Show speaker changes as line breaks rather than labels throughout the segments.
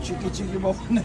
Çiki çiki bok ne?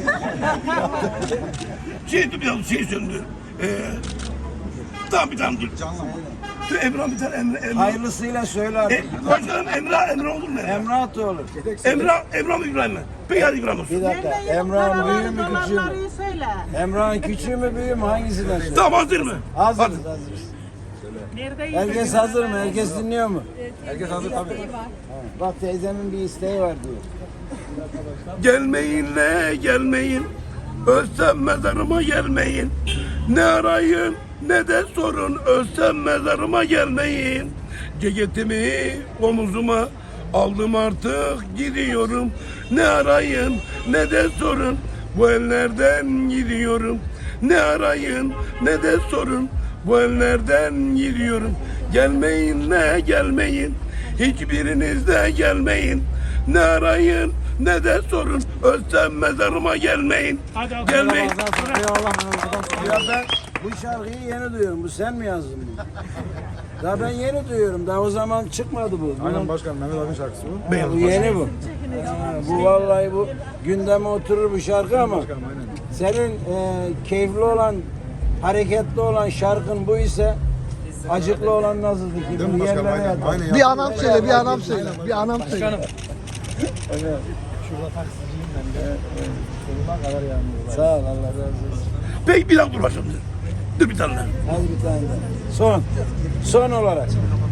Şey söndü. Tamam bir tane dur. Dur Emrah bir tane Emre.
Hayırlısıyla söyle artık.
Başkanım Emre olur mu?
Emrah da olur.
Emrah mı İbrahim mi? Peki hadi İbrahim olsun.
Bir dakika. Emrah'ın büyüğü mü küçüğü mü?
Söyle.
Emrah'ın küçüğü mü büyüğü mü? Hangisinden söyle?
Tamam hazır mı?
Hazırız hazırız. Herkes hazır mı? Herkes dinliyor mu?
Herkes hazır tabii.
Bak teyzemin bir isteği var diyor.
Gelmeyin ne gelmeyin. Ölsem mezarıma gelmeyin. Ne arayın ne de sorun. Ölsem mezarıma gelmeyin. Ceketimi omuzuma aldım artık gidiyorum. Ne arayın ne de sorun. Bu ellerden gidiyorum. Ne arayın ne de sorun. Bu ellerden gidiyorum. Gelmeyin ne gelmeyin. Hiçbiriniz de gelmeyin. Ne arayın ne de sorun. Ölsem mezarıma gelmeyin. Gelmeyin.
Ya ben bu şarkıyı yeni duyuyorum. Bu sen mi yazdın bunu? Daha ben yeni duyuyorum. Daha o zaman çıkmadı bu.
Aynen başkanım Mehmet abi şarkısı bu.
Bu yeni bu. Bu vallahi bu gündeme oturur bu şarkı ama
Başkanım aynen.
senin keyifli olan, hareketli olan şarkın bu ise acıklı olan nasıldı ki?
Değil mi
Bu
başkanım?
yerlere
Aynen.
yatar.
Aynen.
Bir anam söyle, bir anam söyle. Bir anam söyle.
Evet.
Şurada taksiciyim ben de. Sonuna kadar yanmıyor.
Sağ ol Allah razı olsun.
Peki bir dakika dur başım. Dur bir tane daha.
Hadi bir tane daha. Son. Son olarak.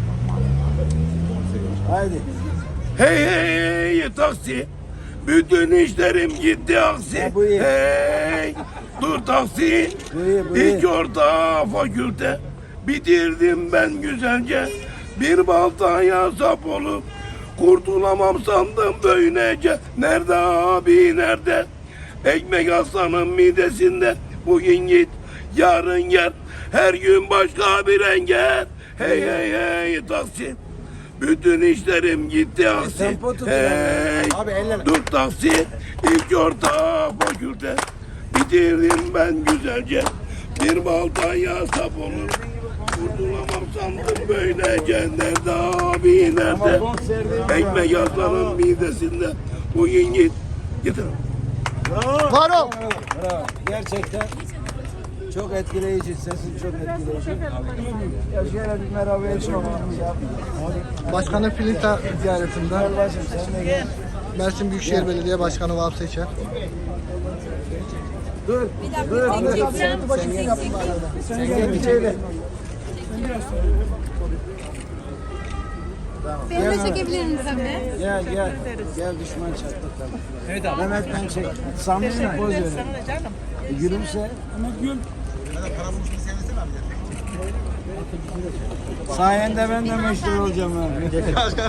Haydi.
Hey hey hey taksi. Bütün işlerim gitti aksi.
Ha, bu iyi.
Hey dur taksi.
Bu iyi, bu iyi.
İlk orta fakülte. Bitirdim ben güzelce. Bir baltaya sap olup kurtulamam sandım böylece. Nerede abi nerede? Ekmek aslanın midesinde. Bugün git yarın gel. Her gün başka bir engel. Hey hey hey taksi. Bütün işlerim gitti aksi.
tempo tut
Hey
Abi elleme.
dur taksi. İlk orta fakülte. Bitirdim ben güzelce. Bir baltaya sap olur. Kurtulamam sandım böylece. Nerede abi nerede? Ekmek aslanın midesinde. Bugün git. Getir.
Var ol.
Bravo. Gerçekten çok etkileyici. Sesin çok etkileyici. Ya şöyle bir merhaba etmem.
Başkanı Filinta ziyaretinde.
Gel başım sen de gel.
Mersin Büyükşehir Belediye Başkanı Vahap Seçer.
Dur. Dur. Sen gel bir şöyle.
Beni de çekebilir misin tabii?
Gel gel. Gel düşman çattık tabii. Evet abi. Mehmet'ten çek. Samimi poz verin. Gülümse. Mehmet gül. Sayende ben de meşhur olacağım abi.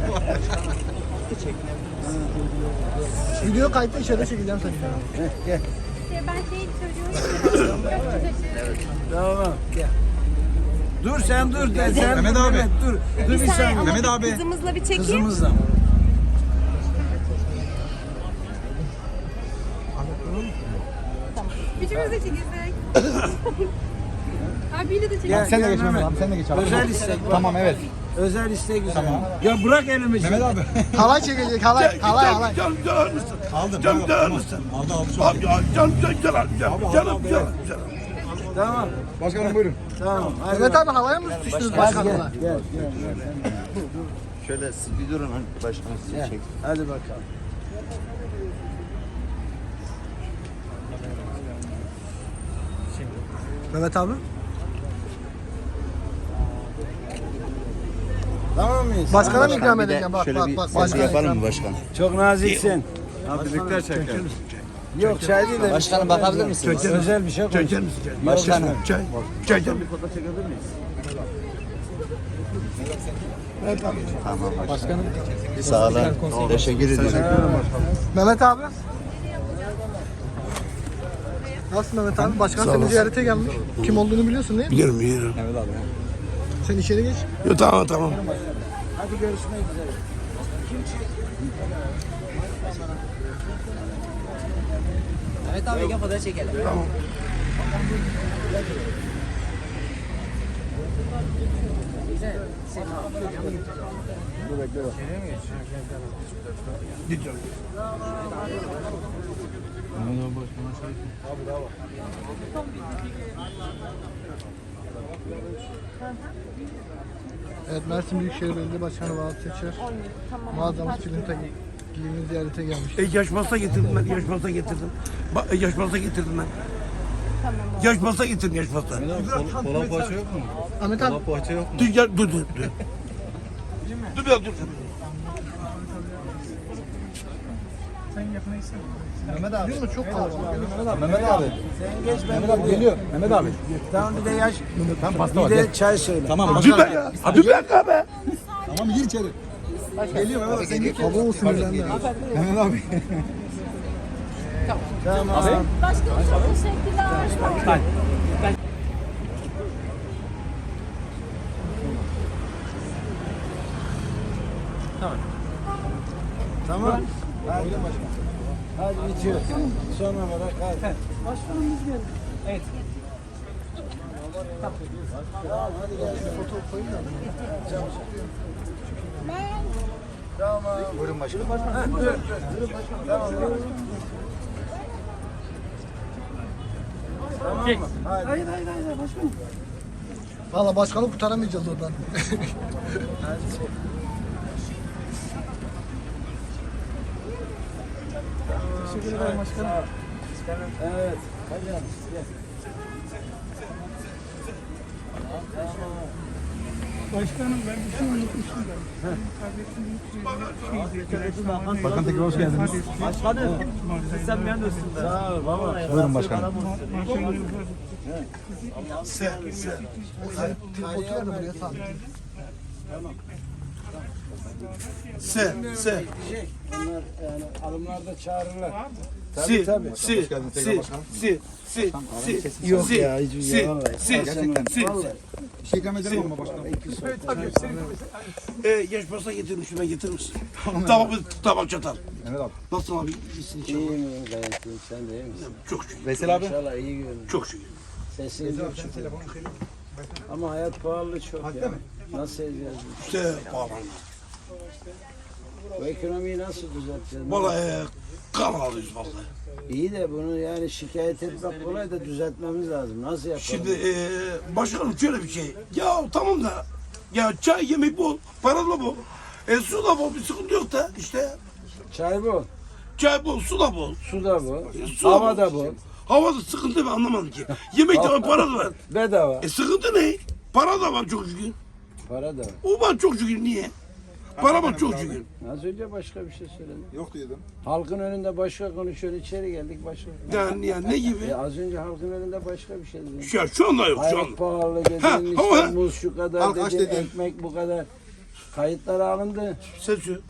Video kayıtta içeride çekeceğim seni.
Gel.
Ben şey söylüyorum.
Tamam. Gel. Dur sen dur. Sen
Mehmet abi.
Dur. Dur bir saniye.
Mehmet abi.
Kızımızla bir çekeyim.
Kızımızla.
Üçümüz de çekilsek. Abiyle de çekelim.
Gel,
Sen de
gel
geç Mehmet
Mehmet.
abi. Sen de geç abi.
Özel istek var.
Tamam evet.
Özel istek güzel. Ya bırak elimi.
Mehmet abi.
Halay çekecek, halay, halay, halay.
Canım alır mısın?
Aldım.
Canım
Tamam,
alır mısın?
Aldı aldı çok
Abi
iyi.
canım canım.
Tamam.
Başkanım buyurun.
Tamam. Hadi
Mehmet
bak.
abi halaya mı tutuştunuz
Gel,
başkanla?
gel.
Şöyle siz bir durun hani başkanım sizi
Gel.
çek.
Hadi bakalım.
Mehmet abi.
Tamam mıyız?
Başkana mı ikram
Bir de
edeceğim? Bak
şöyle
bak
bir
bak.
selfie
Başkana
yapalım
ikram.
mı başkan?
Çok naziksin.
Abi birlikte çekelim.
Yok çay değil de.
Başkanım bakabilir misiniz?
Özel bir şey konuş.
Çeker misin?
Başkanım.
Çay.
Tamam başkanım. Sağ olun. Teşekkür ederim.
Mehmet abi. Nasılsın Mehmet abi? Başkan seni ziyarete gelmiş. Kim olduğunu biliyorsun değil mi?
Biliyorum.
Sen içeri geç.
Yo, tamam.
Hadi görüşmek üzere.
Evet abi gel fotoğraf çekelim.
Tamam. Git canım.
Evet, Mersin Büyükşehir Belediye Başkanı Vahap Seçer. Mağazamız Filinta giyimi ziyarete gelmiş.
Yaş pasta getirdim ben, yaş pasta getirdim. Yaş pasta getirdim ben. Yaş pasta getirdim, yaş pasta.
Kola poğaça yok mu?
Ahmet abi,
Kola poğaça yok mu?
Dur, gel, dur. Dur biraz dur.
Mehmet abi.
değil mi? Çok kalabalık.
Mehmet abi. Mehmet abi geliyor. Mehmet abi.
Tamam bir de yaş.
Ben pasta
Bir de çay söyle.
Tamam.
Dur be ya. Dur be be.
Tamam gir içeri. Geliyor Mehmet abi. Sen gir.
Kaba olsun önemli.
Mehmet abi.
Tamam.
Başkanım çok teşekkürler.
Tamam. Hadi bitiyor. Son olarak hadi.
Buyurun başkanım.
Valla başkanı kurtaramayacağız oradan. Teşekkür ederim başkanım.
Evet. Hadi gel.
Başkanım ben bir şey unutmuştum da.
Bakan tekrar hoş geldiniz.
Başkanım, sen bir yanıyorsun da.
Sağ ol baba.
Buyurun başkanım.
Tripodu ver de buraya sağ.
Se.
Bunlar yani alımlarda çağırırlar.
Si.
Tabii.
Si.
geldiniz tekrar
Si.
başkanım.
Si.
Yok
Si.
ya hiç
Si.
vallahi.
Si.
Gerçekten.
Si.
Bir şey ikram edelim ama başkanım.
Yaş pasta getirmişim ben, getirir misin? Tabak çatal.
Mehmet abi.
Nasıl abi? İyisin inşallah.
İyiyim gayet iyiyim. Sen de iyi misin?
Çok şükür.
Veysel abi.
İnşallah iyi görünüyor.
Çok şükür.
Sesin çok şükür. Ama hayat pahalı çok ya. Nasıl edeceğiz?
İşte pahalı.
Bu ekonomiyi nasıl düzelteceğiz?
Vallahi kan alıyoruz vallahi.
İyi de bunu yani şikayet etmek kolay da düzeltmemiz lazım. Nasıl yapalım?
Şimdi başkanım şöyle bir şey. Ya tamam da ya çay yemek bol, para da bol. Su da bol, bir sıkıntı yok da işte.
Çay bu,
Çay bol, su da bol.
su da bu,
Su
hava da bu.
Havada sıkıntı ben anlamadım ki. Yemek de var, para da var.
Bedava.
Sıkıntı ne? Para da var çok şükür.
Para da var.
O var çok şükür, niye? Para var çok şükür.
Az önce başka bir şey söyledim.
Yok diyordum.
Halkın önünde başka konuşuyor, içeri geldik başka.
Yani ne gibi?
Az önce halkın önünde başka bir şey dedim.
Şu anda yok, şu anda.
Hayat pahalı
Ha,
dedin,
ama-
işte muz şu kadar
Halk aç
dedin,
dedin.
ekmek bu kadar. Kayıtlar alındı.
Ses yok.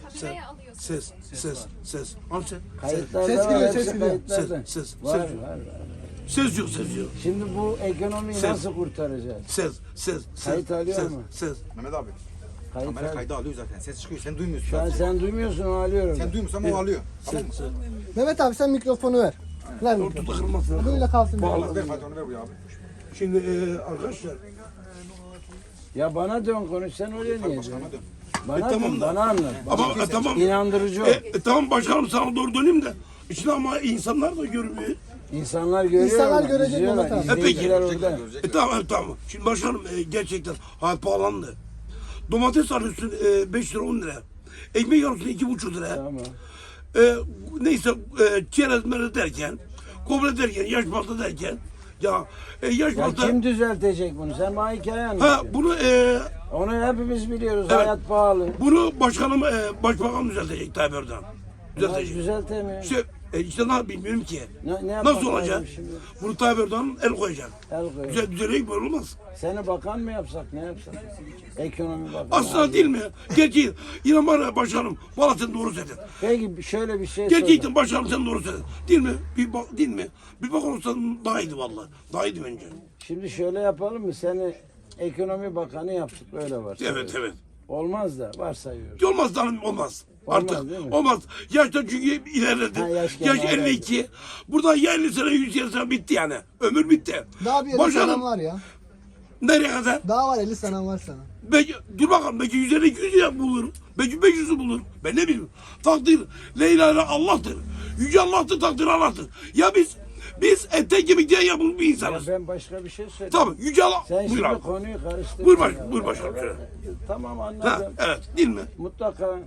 Ses. Al sen.
Kayıtlarda
Ses
var,
geliyor,
hepsi
ses geliyor.
kayıtlarda.
Ses.
Var.
Ses yok.
Şimdi bu ekonomiyi
Ses.
nasıl kurtaracağız?
Ses.
Kayıt alıyor mu?
Ses.
Mehmet abi.
Kayıt
Kamera
al.
kaydı alıyor zaten. Ses çıkıyor. Sen duymuyorsun.
Şu an sen duymuyorsun, o alıyor.
Sen duymuyorsan o alıyor. Tamam mı?
Mehmet abi sen mikrofonu ver. Ver mikrofonu.
Ortada kırılmasın.
Böyle kalsın.
Bağlı.
Ver Fatih onu ver buraya abi.
Şimdi arkadaşlar.
Ya bana dön konuş, sen oraya niye dön?
Hadi.
Bana
tamam
dön,
da.
bana anlat.
Ama tamam.
İnandırıcı ol.
Tamam başkanım sana doğru döneyim de. İşte ama insanlar da görmüyor.
İnsanlar görüyor.
İnsanlar
mu?
görecek
İzliyorlar,
Mehmet abi.
izleyiciler orada.
Tamam. Şimdi başkanım gerçekten hayat pahalandı. Domates alıyorsun 5 lira 10 lira. Ekmek alıyorsun 2,5 lira.
Tamam.
Neyse çerez merez derken, kobre derken, yaş pasta derken. Yaş
Ya
pasta.
kim düzeltecek bunu? Sen bana hikaye
Ha
anlat.
bunu
Onu hepimiz biliyoruz.
Evet.
Hayat pahalı.
bunu başkanım başbakan düzeltecek Tayyip Erdoğan.
Bunlar
Düzeltecek.
düzeltemiyor.
İşte ne bilmiyorum ki.
Ne yapmak
Nasıl olacak?
lazım şimdi?
Bunu Tayyip Erdoğan el koyacak.
El koy.
Düzelecek böyle olmaz.
Seni bakan mı yapsak, ne yapsak? Ekonomi bakanı.
Aslında değil mi? Gerçi yine bana başkanım. Valla sen doğru söyledin.
Peki şöyle bir şey sorayım.
Gerçekten başkanım sen doğru söyledin. Değil mi? Değil mi? Bir bak olsan daha iyiydi valla. Daha iyiydi bence.
Şimdi şöyle yapalım mı? Seni ekonomi bakanı yaptık, öyle var.
Evet.
Olmaz da varsayıyoruz.
Olmaz canım olmaz.
Olmaz,
Artık
değil mi?
olmaz. Yaşta çünkü ilerledi.
Ha, yaş
Yaş
gene
52. Burada ya 50 sene 100 sene bitti yani. Ömür bitti.
Daha bir 50
Başkanım,
senem var ya.
nereye kadar?
Daha var 50 senem var sana.
Belki, dur bakalım belki 150 200 ya bulur. Belki 500'ü bulur. Ben ne bileyim. Takdir Leyla ile Allah'tır. Yüce Allah'tır, takdir Allah'tır. Ya biz Biz ete kemikten yapılmış bir
Ya
insanız.
ben başka bir şey söyleyeyim.
Tamam Yüce Allah.
Sen
Buyur
şimdi
abi.
konuyu karıştırdın.
Buyur başkanım. Şöyle.
Tamam
Ha,
anladım.
evet değil mi?
Mutlaka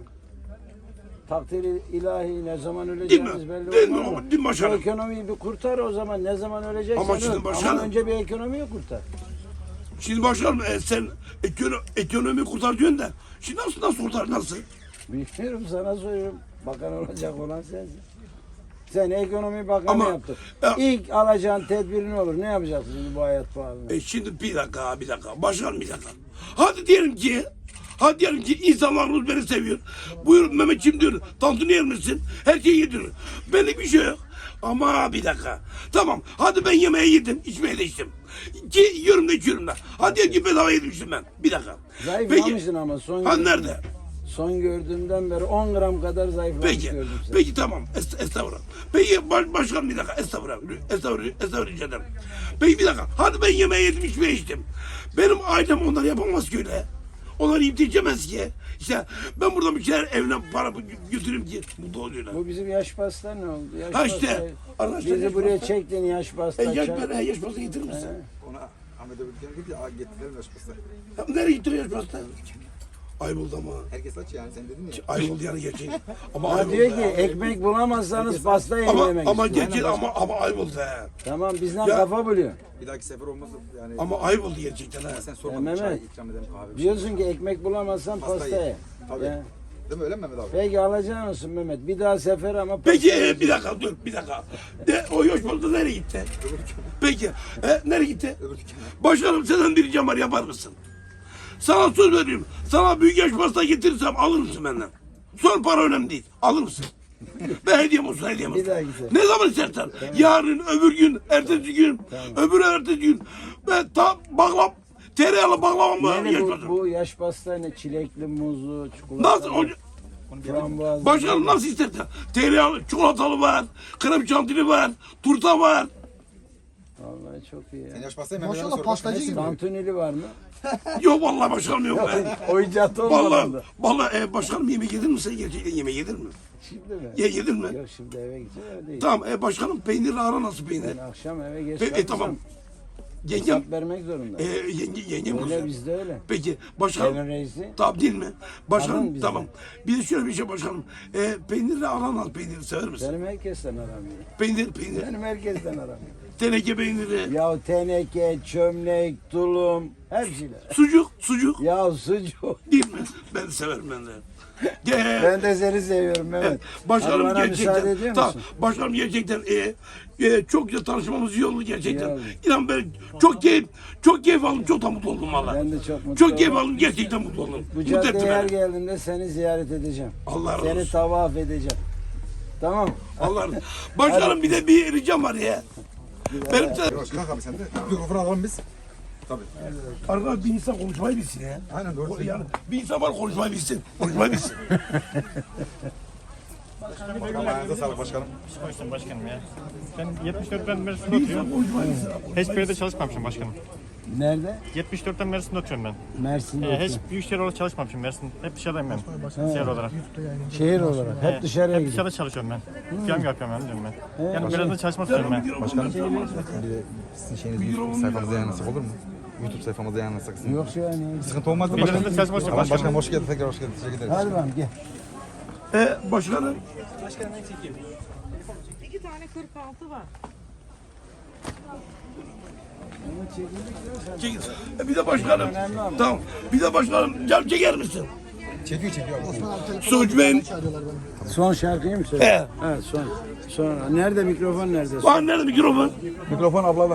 takdiri ilahi ne zaman
Değil
öleceğimiz
mi?
belli
Değil mi?
olmaz ama
Değil mi
bu
başkanım?
ekonomiyi bir kurtar o zaman ne zaman öleceksen
Ama şimdi
öl.
başkanım-
Ama önce bir ekonomiyi kurtar.
Şimdi başkanım sen ekonomi kurtar diyorsun da. Şimdi nasıl kurtar nasıl?
Bilmiyorum sana soruyorum. Bakan olacak olan sensin. Sen ekonomi bakanı
Ama-
yaptın.
Ya-
İlk alacağın tedbir ne olur? Ne yapacaksın şimdi bu hayat pahalı?
Şimdi bir dakika. Başkanım bir dakika. Hadi diyelim ki insanlarımız beni seviyor. Buyurun Mehmetciğim diyor. Tantuni yer misin? Her şeyi yediriyor. Benlik bir şey yok. Ama bir dakika. Tamam. Hadi ben yemeği yedim. İçmeyi de içtim. Ki yiyorum da içiyorum da. Hadi diyelim ki bedava yedim ben. Bir dakika.
Zayıflamışsın ama son
Ha nerede?
son gördüğümden beri 10 gram kadar zayıflamış
Peki.
gördüm seni.
Peki tamam. Estağfurullah. Peki başkanım bir dakika. Estağfurullah rica ederim. Peki bir dakika. Hadi ben yemeği yedim, içmeyi içtim. Benim ailem onları yapamaz ki öyle. Onlar yiyip de içemez ki. İşte ben buradan bir şeyler evine para götüreyim ki mutlu oluyorlar.
Bu bizim yaş pasta ne oldu? Yaş
Ha işte,
pastayı-
arkadaşlar yaş
Bizi buraya
pasta.
çektin yaş pasta.
Yaş
çay-
yaş pasta getirir misin?
Ona Ahmet abi diyor ki getirelim açması.
Ya nereye getiriyor yaş pasta? Ayboldu ama.
Herkes aç yani sen dedin ya.
Ayboldu yani gerçek. Ama
Ha
ayboldu.
diyor ki
ha.
ekmek bulamazsanız pasta
ama
yemek
ama
istiyor.
gerçek ama ayboldu ha.
Tamam bizden
Ya-
kafa buluyor.
Bir dahaki sefer olmaz yani.
Ama ayboldu gerçekten ha.
Sen sormadın
Mehmet,
çay ikram edelim kahve. bir şey.
Diyorsun ki ekmek bulamazsan
Pasta
pasta
ye.
ye.
Tabii.
Ya.
Değil mi öyle mi Mehmet abi?
Peki alacağın olsun Mehmet. Bir daha sefer ama pasta
Peki
yiyeceksin.
bir dakika dur bir dakika. O yaş pasta nereye gitti? Peki nereye gitti?
Öbür dükkana.
Başkanım senden bir ricam var yapar mısın? Sana söz veriyorum. Sana büyük yaş pasta getirirsem alır mısın benden? Son para önemli değil. Alır mısın? Ben hediyem olsun hediyem olsun.
Bir daha güzel.
Ne zaman istersen. Yarın, öbür gün, ertesi gün, öbür ertesi gün. Ben tam tereyağlı baklavamı
Yani
yaş
bu,
pasta.
bu yaş pasta ne? Çilekli, muzlu, çikolatalı,
Nasıl olacak?
frambuazlı.
Başkanım nasıl istersen. Tereyağlı, çikolatalı var, krem şantili var, turta var.
Vallahi çok iyi
Sen
ya.
yaş pastayı Mehmet
Maşallah
abi
pastacı gibi.
Tantunili var mı?
Yok vallahi başkanım yok. be.
Oyuncak olmadı.
Vallahi başkanım yemek yedin mi sen gerçekten yemek yedin mi?
Şimdi mi?
Yedin mi?
Yok şimdi eve gideceğim öyle değil.
Tamam başkanım peynirli ara nasıl peynir?
Ben akşam eve geç
Tamam. Yengem,
hesap vermek zorunda.
yengem
Öyle
güzel.
bizde öyle.
Peki başkanım.
Evin reisi.
Tamam değil mi? Başkanım
Alın bizden.
tamam. Bir de şöyle bir şey başkanım. Peynirli ananas peyniri sever misin?
Benim herkesten aramıyor.
Peynir.
Benim herkesten aramıyor.
Teneke peyniri.
Ya teneke, çömlek, tulum, hepsiyle.
Sucuk.
Ya sucuk.
Değil mi? Ben severim ben de. Gel.
Ben de seni seviyorum Mehmet.
Evet, başkanım
Hadi bana
gerçekten.
müsaade ediyor
Tamam,
musun?
başkanım gerçekten çok güzel tanışmamız iyi oldu gerçekten.
İyi oldu.
İnan ben çok keyif aldım, çok da mutlu oldum valla.
Ben de çok mutlu
Çok keyif
oldum.
aldım, gerçekten mutlu oldum.
Bu
Mutlu etti
caddeye her
beni.
geldiğimde seni ziyaret edeceğim.
Allah razı
Seni
olsun.
tavaf edeceğim. Tamam.
Allah razı olsun. Başkanım bir de bir ricam var ya. Benim de
Yavaş kalk abi sen de. Mikrofonu alalım biz. Tabii.
arkadaş bir insan konuşmayı bilsin ya.
Aynen doğru
Yani
söylüyorsun.
bir insan var konuşmayı bilsin. Konuşmayı bilsin.
Başkanım ayağınıza sağlık başkanım.
Konuştum başkanım ya. Ben 74'ten Mersin'de
Bir insan
oturuyorum.
konuşmayı bilsin.
Hiçbir yerde çalışmamışım başkanım.
Nerede?
74'ten Mersin'de oturuyorum ben.
Mersin'de.
Hiç
oturuyorum.
büyük şehir olarak çalışmamışım Mersin. Hep dışarıdayım ben. Şehir olarak.
Şehir olarak. Hep dışarıya
Hep
gidiyor.
dışarıda çalışıyorum ben. Film yapıyorum ben diyorum ben. Yani biraz da çalışmak istiyorum ben.
Başkanım.
Sizin şeyinizi sayfamıza yayınlasak olur mu? YouTube sayfamıza yayınlasak.
Yok yani.
Sıkıntı olmaz mı
Biraz
başkanım?
da çalışmak istiyorum
Tamam
başkanım.
başkanım hoş geldin tekrar hoş geldin. Teşekkür ederiz.
Hadi bakalım gel.
Başkanım.
İki tane 46 var.
Çekil. Bir de başkanım. Tamam. Bir de başkanım cam çeker misin?
Çekiyor abi.
Suçmen.
Son şarkıyı mı söyle?
Evet.
Evet son. Sonra. Nerede mikrofon nerede?
Var nerede mikrofon?
Mikrofon ablada.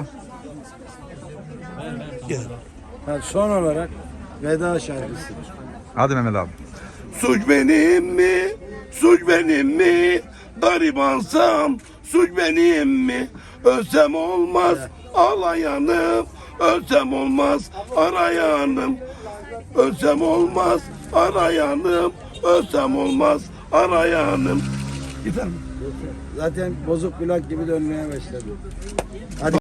Gel.
Ha, son olarak veda şarkısı.
Hadi Mehmet abi.
Suç benim mi? Suç benim mi? Garibansam suç benim mi? Ölsem olmaz ağlayanım. Ölsem olmaz arayanım. Ölsem olmaz arayanım. Ölsem olmaz arayanım. Yeter mi?
Zaten bozuk plak gibi dönmeye başladı. Hadi.